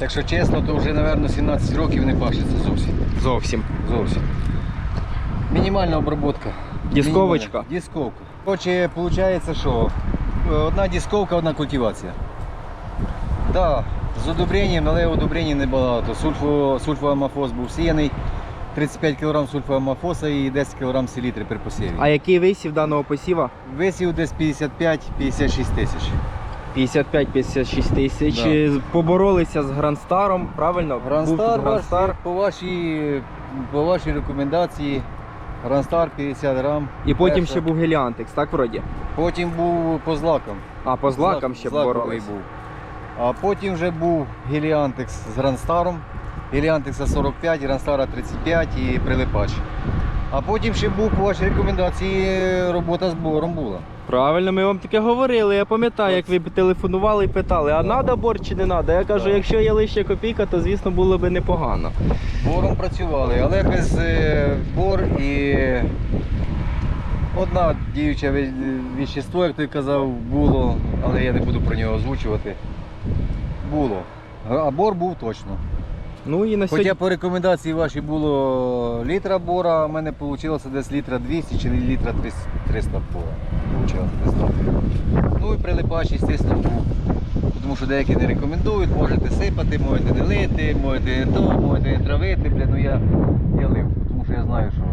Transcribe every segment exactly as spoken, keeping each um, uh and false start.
Якщо чесно, то вже, мабуть, сімнадцять років не пашеться зовсім. Зовсім. Зовсім. Мінімальна обробка. Дисковочка? Мінімальна. Дисковка. Короче, виходить, що одна дисковка, одна культивація. Так, з удобренням, але удобрень небагато. Сульфо, сульфоамофос був сіяний, тридцять п'ять кілограмів сульфоамофоса і десять кілограмів селітри при посіві. А який висів даного посіва? Висів десь п'ятдесят п'ять - п'ятдесят шість тисяч. п'ятдесят п'ять - п'ятдесят шість тисяч. Да. Поборолися з Грандстаром, правильно? Грандстар, Був Грандстар. по вашій, по вашій рекомендації, Грандстар п'ятдесят грам. І потім перша. ще був Геліантекс, так вроді? Потім був по злакам. А, по злакам ще Злаковий боролися. був. А потім вже був Геліантекс з Грандстаром. Геліантекса сорок п'ять, Грандстара тридцять п'ять і прилипач. А потім ще був по вашій рекомендації робота з бором була. Правильно, ми вам таке говорили. Я пам'ятаю, як ви телефонували і питали, а треба бор чи не треба? Я кажу, Так. якщо є лише копійка, то звісно було б непогано. Бором працювали, але без е, бор і одна діюче ве- вещество, як той казав, було, але я не буду про нього озвучувати. Було. А бор був точно. Ну і на сьогодні... Хоча по рекомендації вашій було літра бора, а в мене вийшло десь літра двісті чи літра триста бора. Получилося десь так. Ну і прилипач, звісно, був. Тому що деякі не рекомендують, можете сипати, можете не лити, можете не то, можете не травити, бля, ну я, я лив, тому що я знаю, що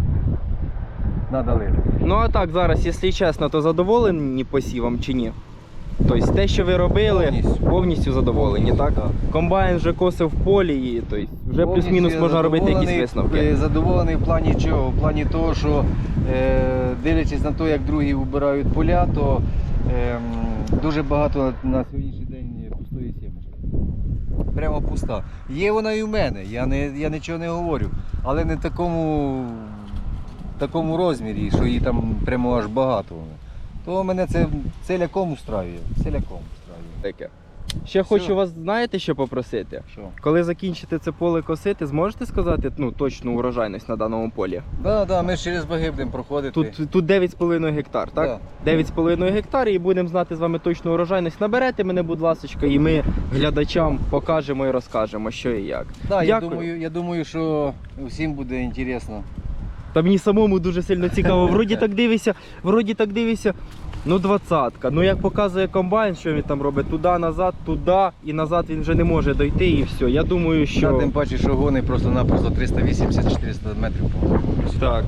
треба лити. Ну а так, зараз, якщо чесно, то задоволені посівом чи ні? Тобто те, що ви робили, Повністю. повністю задоволені, Повністю, так? так. Комбайн вже косив в полі, і тобто вже Повністю плюс-мінус я можна робити якісь задоволений, висновки. е, Задоволений в плані чого? В плані того, що е, дивлячись на те, як другі вбирають поля, то е, дуже багато на сьогоднішній день пустої сімечки. Прямо пуста. Є вона і в мене, я, не, я нічого не говорю, але не в такому, такому розмірі, що її там прямо аж багато. То мене це целяком устраює, целяком устраює. Таке. Ще Все. хочу вас, знаєте, що попросити? Що? Коли закінчите це поле косити, зможете сказати ну, точну урожайність на даному полі? Да, да, ми ж через баги будемо проходити. Тут, тут дев'ять з половиною гектар, так? Да. дев'ять з половиною гектар і будемо знати з вами точну урожайність. Наберете мене, будь ласка, і ми глядачам покажемо і розкажемо, що і як. Да, я Дякую. думаю, я думаю, що всім буде інтересно. Та мені самому дуже сильно цікаво. Вроді так дивишся, вроді так дивишся. Ну, двадцятка. Ну, як показує комбайн, що він там робить, туди, назад, туди і назад він вже не може дойти і все. Я думаю, що... Що... Тим паче, що гони просто-напросто триста вісімдесят - чотириста метрів по Так.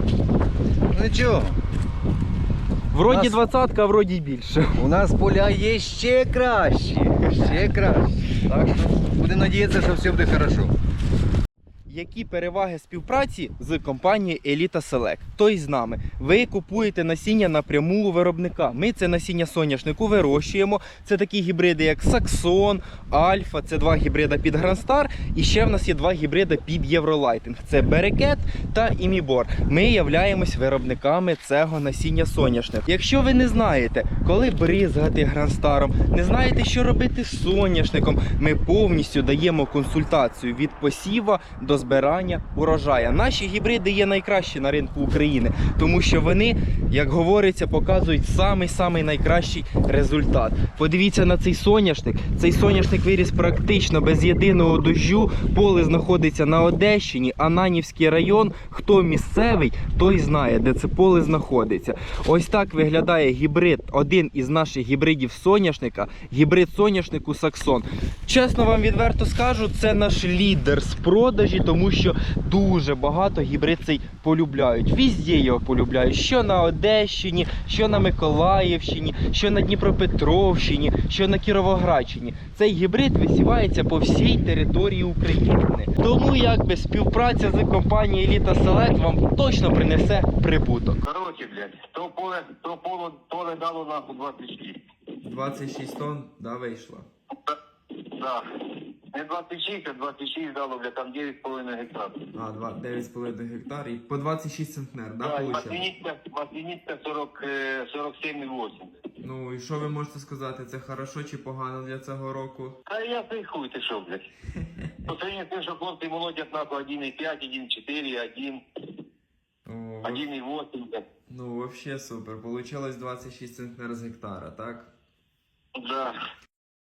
Ну нічого, Вроді Нас- двадцятка, а вроді й більше. у нас поля є ще кращі, ще кращі. Так що будемо надіятися, що все буде хорошо. Які переваги співпраці з компанією Elita Select? Тобто з нами. Ви купуєте насіння напряму у виробника. Ми це насіння соняшнику вирощуємо. Це такі гібриди, як Саксон, Альфа, це два гібрида під Грандстар. І ще в нас є два гібриди під Євролайтинг. Це Берекет та Імібор. Ми являємось виробниками цього насіння соняшнику. Якщо ви не знаєте, коли бризгати Грандстаром, не знаєте, що робити з соняшником, ми повністю даємо консультацію від посіва до збирання урожая. Наші гібриди є найкращі на ринку України, тому що вони, як говориться, показують самий-самий найкращий результат. Подивіться на цей соняшник. Цей соняшник виріс практично без єдиного дощу. Поле знаходиться на Одещині, Ананівський район. Хто місцевий, той знає, де це поле знаходиться. Ось так виглядає гібрид, один із наших гібридів соняшника, гібрид соняшнику Саксон. Чесно вам відверто скажу, це наш лідер з продажі, тому що дуже багато гібрид цей полюбляють. Везде його полюбляють. Що на Одещині, що на Миколаївщині, що на Дніпропетровщині, що на Кіровоградщині. Цей гібрид висівається по всій території України. Тому якби співпраця з компанією Elita Select вам точно принесе прибуток. Короче, блядь, то поле, то поле, поле дало нахуй двадцять шість. двадцять шість тонн, да, вийшло. Да. Не двадцять шість, а двадцять шість дало, блядь, там дев'ять з половиною гектар. А, дев'ять з половиною гектар і по двадцять шість центнер, Да, і масляничка, масляничка сорок, е, сорок сім і вісім. Ну і що ви можете сказати, це хорошо чи погано для цього року? Та я цей хуй, ти що, блядь. По сравнению з тим, що хлопці молодять нахуй один і п'ять, один і чотири, один, О, один і вісім, блядь. ну вообще супер, получилось двадцять шість центнер з гектара, так? Да.